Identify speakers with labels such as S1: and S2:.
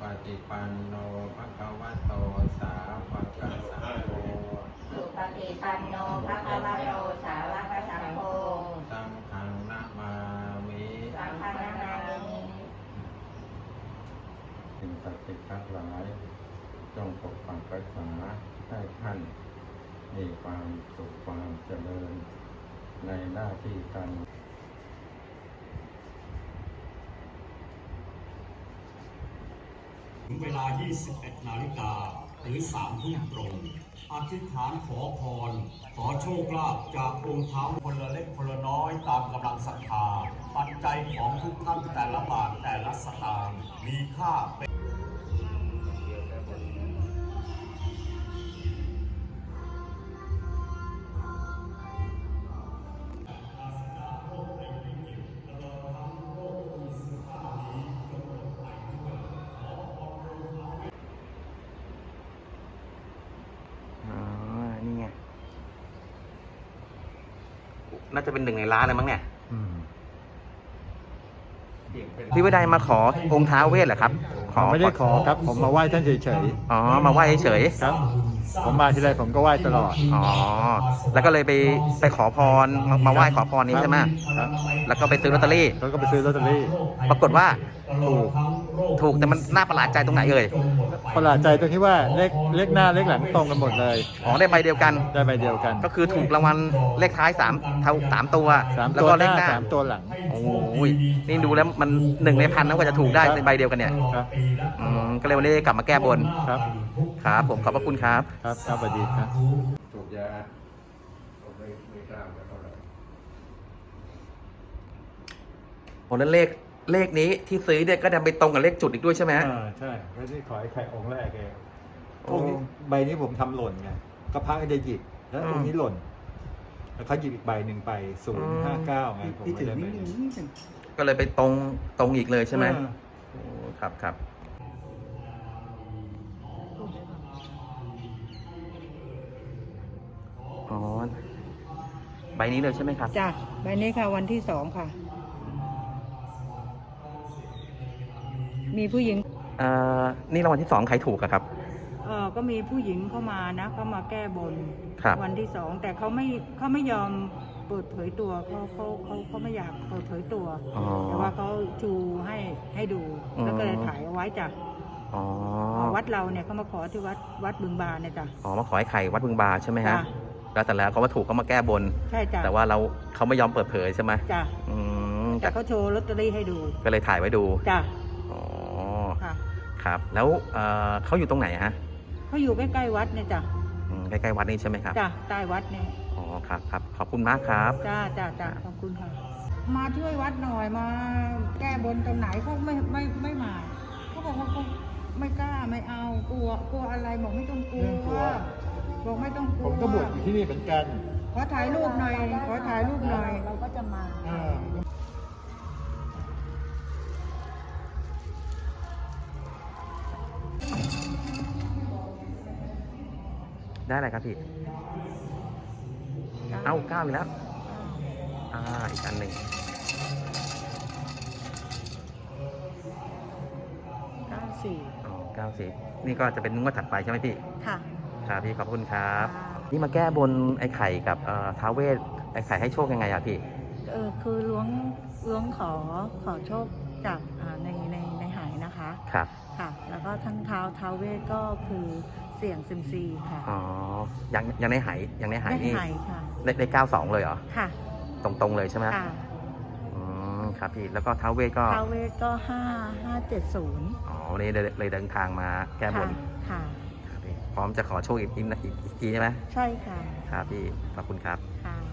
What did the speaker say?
S1: ฏิปันโนภะคะวะโตสาวกสังโฆ
S2: สุปฏิปันโนภะคะวะโตสาวกสังโฆ
S1: สังฆังนะมามิ
S2: สังฆังนามามิ
S1: สิ่งศักดิ์สิทธิ์ทั้งหลายจงปกปักรักษาให้ท่านมีความสุขความเจริญในหน้าที่การ
S3: ถึงเวลา 21 นาฬิกาหรือ 3 ทุ่มตรง อธิษฐานขอพร ขอโชคลาภจากองค์เท้าคนละเล็กคนละน้อยตามกำลังศรัทธา ปัจจัยของทุกท่านแต่ละบาทแต่ละสตางค์มีค่าเป็น
S4: นี่ไงน่าจะเป็นหนึ่งในร้านเลยมั้งเนี่ยพี่วิไดมาขอองค์ท้าวเวสเหรอครับ
S5: ไม่ได้ขอครับผมมาไหว้ท่านเฉย
S4: อ๋อมาไหว้เฉย
S5: ๆครับผมมาทีไรผมก็ไหว้ตลอด
S4: อ๋อแล้วก็เลยไปขอพรมาไหว้ขอพรนี้ใช่ไหม
S5: ครับ
S4: แล้วก็ไปซื้อลอตเตอรี่
S5: แล้วก็ไปซื้อลอตเตอรี่
S4: ปรากฏว่าถูกแต่มันน่าประหลาดใจตรงไหนเอ่ย
S5: ประหลาดใจตรงที่ว่าเลขหน้าเลขหลังตรงกันหมดเลย
S4: อ๋อได้ใบเดียวกัน
S5: ได้ใบเดียวกัน
S4: ก็คือถูกรางวัลเลขท้าย3 ตัว
S5: 3
S4: แล้ว
S5: ตัว
S4: ก็
S5: ห
S4: เลข
S5: น้า
S4: หน้า
S5: 3 ตัวหลัง
S4: โอ้ยนี่ดูแล้วมัน1 ใน 1,000นะกว่าจะถูกได้ในใบเดียวกันเนี่ย
S5: ครับ
S4: ก็เลยวันนี้กลับมาแก้บน
S5: ครับ
S4: ครับผมขอบพระคุณครับ
S5: ครับสวัสดีครับ
S1: ถูกยาผมไม่กล้าจะเท่าไหร่
S4: โอ้แล้วเลขนี้ที่ซื้อเนี่ยก็ดันไปตรงกับเลขจุดอีกด้วยใช่ไหม
S5: ใช่ไม่ได้ขอให้ใครองค์แรกเอง
S4: โอ้
S5: พวกนี้ใบนี้ผมทำหล่นไงก็พักให้ได้หยิบแล้วองค์นี้หล่นแล้วเขาหยิบอีกใบหนึ่งไป059ไงผมไม่ได้ใบนี้
S4: ก็เลยไปตรงอีกเลยใช่ไหมโอ้ครับอ๋อใบนี้เลยใช่ไหมครับ
S6: จ้ะใบนี้ค่ะวันที่2ค่ะ มีผู้หญิง
S4: นี่รางวัลที่2ใครถูกอะครับ
S6: ก็มีผู้หญิงเข้ามานะเขามาแก้บน
S4: ครับ
S6: วันที่2แต่เขาไม่ยอมเปิดเผยตัวเขาไม่อยากเปิดเผยตัว
S4: อ๋อ
S6: แต่ว่าเขาชูให้ดู
S4: อืม
S6: แล้วก็เลยถ่ายเอาไว้จ้ะ
S4: อ๋อ
S6: วัดเราเนี่ยเขามาขอที่วัดบึงบานเนี่ยจ้ะ
S4: อ๋อมาขอให้ไข่วัดบึงบาใช่ไหมฮะ
S6: จ้ะ
S4: แล้วแต่แล้วเขามาถูกเขามาแก้บน
S6: ใช่จ้ะ
S4: แต่ว่าเขาไม่ยอมเปิดเผยใช่ไหม
S6: จ้ะ
S4: อืม
S6: แต่เขาโชว์ลอตเตอรี่ให้ดู
S4: ก็เลยถ่ายไว้ดู
S6: จ้ะ
S4: อ๋อ
S6: ค่ะ
S4: ครับ แล้วเขาอยู่ตรงไหนฮะ
S6: เขาอยู่ใกล้ๆวัดเนี่ยจ้ะ
S4: ใกล้ๆวัดนี่ใช่ไหมครับ
S6: จ้ะใต้วัดเนี่ย
S4: อ๋อครับขอบคุณมากครับ
S6: จ้าขอบคุณค่ะ มาช่วยวัดหน่อยมาแก้บนตรงไหนเขาไม่มาเขาบอกว่าเขาไม่กล้าไม่เอากลัวอะไรบอกไม่ต้องกลั
S5: ไม่ต้องกลั
S6: ว
S5: ว
S6: บอกไม่ต้องกลั
S5: ผ
S6: ว
S5: มก็บวชอยู่ที่นี่เหมือนกัน
S6: ขอถ่ายรูปหน่อย
S2: เราก็จะมา
S4: ได้อะไรครับพี่ เอ้า9อีกแล้วอีกอันหนึ่ง
S6: 94
S4: อ๋อ90นี่ก็จะเป็นงวดถัดไปใช่ไหมพี่
S6: ค่ะ
S4: ครับพี่ขอบคุณครับ
S6: ค่ะ
S4: นี่มาแก้บนไอ้ไข่กับท้าวเวสไอ้ไข่ให้โชคยังไงอะพี่
S6: คือล้วงขอโชคจากในหายนะคะ
S4: ครับ
S6: ค่ะ แล้วก็ทั้งท้าวเวสก็คือเสี่ยงซิมซีค่ะ
S4: อ๋อยังในหายนี่
S6: หายค่ะ
S4: ได้92เลยเหรอ
S6: ค่ะ
S4: ตรงๆเลยใช่ไหม
S6: ค่ะ
S4: ครับพี่แล้วก็ท้าวเวสก็
S6: ท้าวเวสก็5570
S4: อ๋อวันนี้เลยเดินทางมาแก้บน
S6: ค่ะ
S4: ครับพี่พร้อมจะขอโชคอีกทีใช่ไหม
S6: ใช่ค่ะ
S4: ครับพี่ขอบคุณครับ
S6: ค่ะ